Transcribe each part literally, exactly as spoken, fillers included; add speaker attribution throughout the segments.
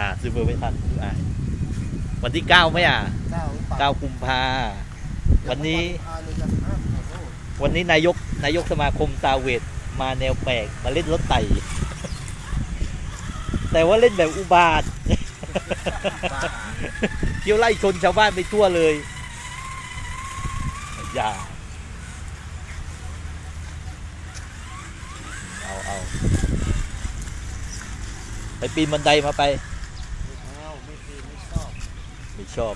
Speaker 1: อ่าซื้อเบอร์ไม่ทันอ่าวันที่เก้าไหมอ่ะ
Speaker 2: เก้าหรือเปล่า
Speaker 1: เก้ากุมภาวันนี้
Speaker 2: อ่าเลยจะห้าขอโทษ
Speaker 1: วันนี้นายกนายกสมาคมซาเวทมาแนวแปลกมาเล่นรถไต่ แต่ว่าเล่นแบบอุบาท เที่ยวไล่ชนชาวบ้านไปทั่วเลยอย่าเอาเอาไปปีนบันไดมาไป
Speaker 2: ไม่เอาไม่ดีไม่ชอบ
Speaker 1: ไม่ชอบ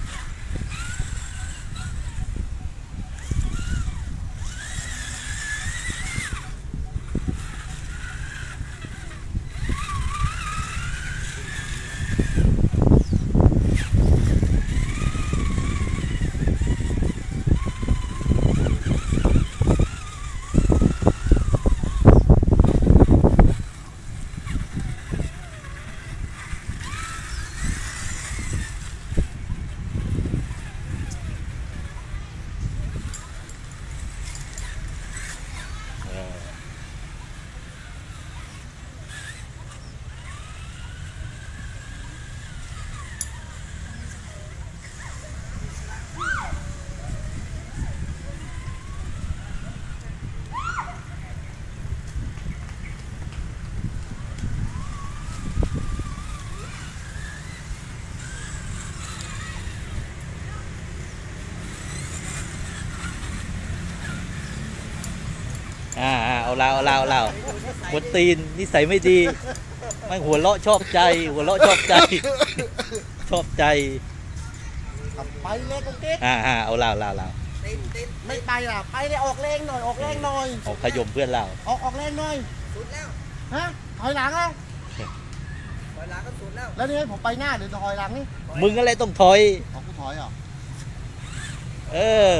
Speaker 1: อ่าอ่าเอาเราเอาเราเอาเราบนตีนนิสัยไม่ดีมันหัวเราะชอบใจ หัวเราะชอบใจ ชอบใจ
Speaker 2: ไปเลยตรงเก๊ก
Speaker 1: อ่าอ่าเอาเราเราเรา
Speaker 2: ไม่ไปล่ะไปเลยออกแรงหน่อยออกแรงหน่อย
Speaker 1: เอาขยมเพื่อนเรา
Speaker 2: ออกออกแรงหน่อย
Speaker 3: สุดแล้ว
Speaker 2: ฮะถอยหลังอ่ะ
Speaker 3: ถอยหลังก็สุดแล้ว
Speaker 2: แล้วนี่ให้ผมไปหน้าหรือถอยหลังนี่
Speaker 1: มึงอะไรต้องถอย
Speaker 2: ออกกูถอยเหรอ
Speaker 1: เออ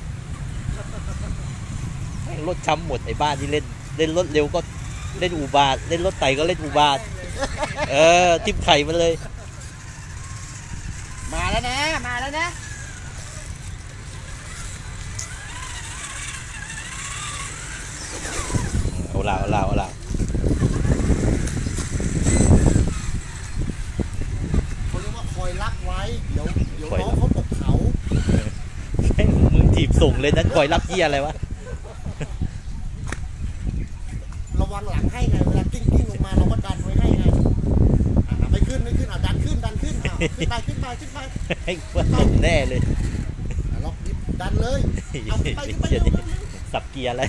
Speaker 1: แม่งรถช้ำหมดไอ้บ้านที่เล่นเล่นรถเร็วก็เล่นอุบาทเล่นรถไต่ก็เล่นอุบาทเออทิ่มไข่มันเลย
Speaker 2: มาแล้วนะมาแล้วนะ
Speaker 1: เอาเราเอาเราเอาเรา
Speaker 2: เขาเรียกว่าคอยรักไว้เดี๋ยวเดี๋ยวน้องเขาตกเขา
Speaker 1: แม่งมึงถีบส่งเลยนั้นคอยรับเยี่ยอะไรวะ
Speaker 2: ระวังหลังให้ไงเวลากิ้งกิ้งลงมาเราก็ดันไว้ให้ไงอ่ะไม่ขึ้นไม่ขึ้นอ่ะดันขึ้นดันขึ้นอ่ะขึ้นไปขึ้นไปขึ้นไป
Speaker 1: ให้เพื่อนส่งแน่เลย
Speaker 2: อ่ะล็อกดิฟดันเลยเอาขึ้นไปขึ้นไป
Speaker 1: เดี๋ยว
Speaker 2: เร็ว
Speaker 1: นี้สับเกียร์อะไร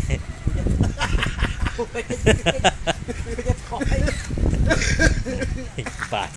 Speaker 2: ๆจะถอย
Speaker 1: บาท